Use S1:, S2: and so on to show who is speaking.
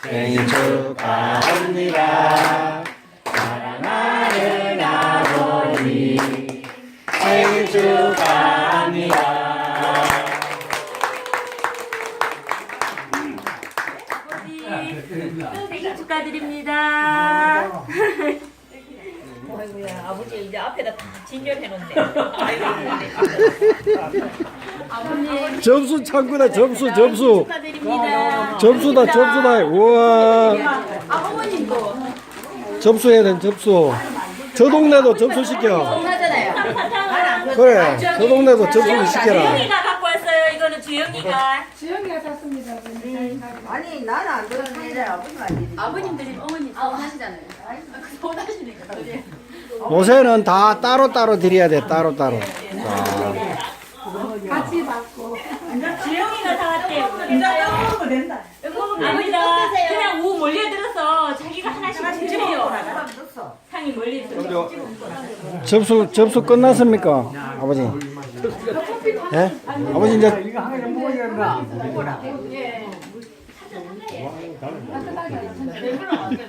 S1: 생일 축하합니다. 사랑하는 아버지 생일 축하합니다.
S2: 생일 축하드립니다.
S3: 아이고야, 아버지 이제 앞에다 다 진열해놓네.
S2: 아버님
S1: 점수 창구다. 점수.
S2: 축하드립니다.
S1: 점수다. 우와.
S2: 어머님도
S1: 점수해야 돼. 점수. 저 동네도 점수 시켜.
S2: 하잖아요.
S1: 그래. 저 동네도 점수를 시켜라.
S2: 주영이가 갖고 왔어요. 이거는 주영이가.
S4: 지영이가 샀습니다.
S5: 아니 나는 안 들었는데 아버님 안
S6: 아버님들이 어머니 하시잖아요. 돈 하시니까.
S1: 요새는 다 따로따로 드려야 돼. 따로따로.
S4: 같이 받고.
S2: 주영이가 사왔대요.
S5: 먹으면 된다.
S2: 아버지가 그냥 우 몰려들어서 자기가 하나씩 주세요. 상이 몰려들어.
S1: 점수 끝났습니까? 아버지. 예? 아버지 이제
S5: 이거 한 개 먹어야 된다.